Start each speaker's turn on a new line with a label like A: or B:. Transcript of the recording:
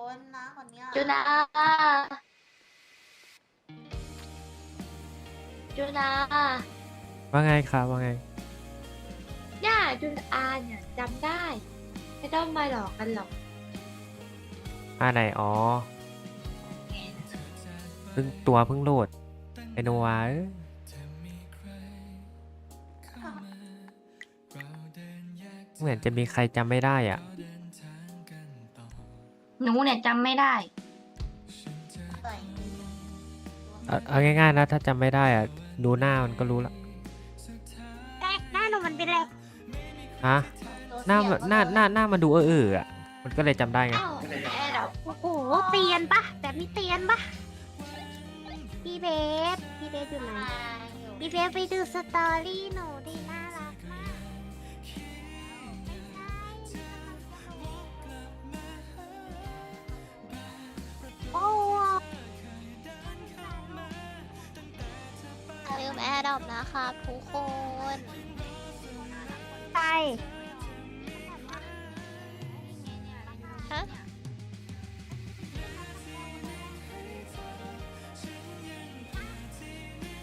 A: นนะคนเนี้ย
B: จุนาจุนา
C: ว่าไงครับว่าไง
B: เนี่ยจุนอาเนี่ยจำได้ไม่ต้องมาหลอกกันหรอก
C: ไหนอ๋อเพิ่งโหลดไอโนวาเหมือนจะมีใครจำไม่ได้อ่ะ
D: หนูเนี่ยจำไม่ได้
A: ใส่
C: เอาง่ายๆนะถ้าจำไม่ได้อ่ะดูหน้ามันก็รู้ละ
D: หน้าหนูมันเป็นอะไร
C: ฮะหน้ามันดูอ่ะมันก็เลยจำได้ไง
B: อ้าวแอร์ดอก
D: โอ้โหเตียนปะแบบนี้เตียนปะพี่เบฟอยู่ไหนพี่เบฟไปดูสตอรี่หนูดิน่ารักมากโอ้
E: อย่าลืมแอร์ดรอปนะครับทุกคน
D: ใช่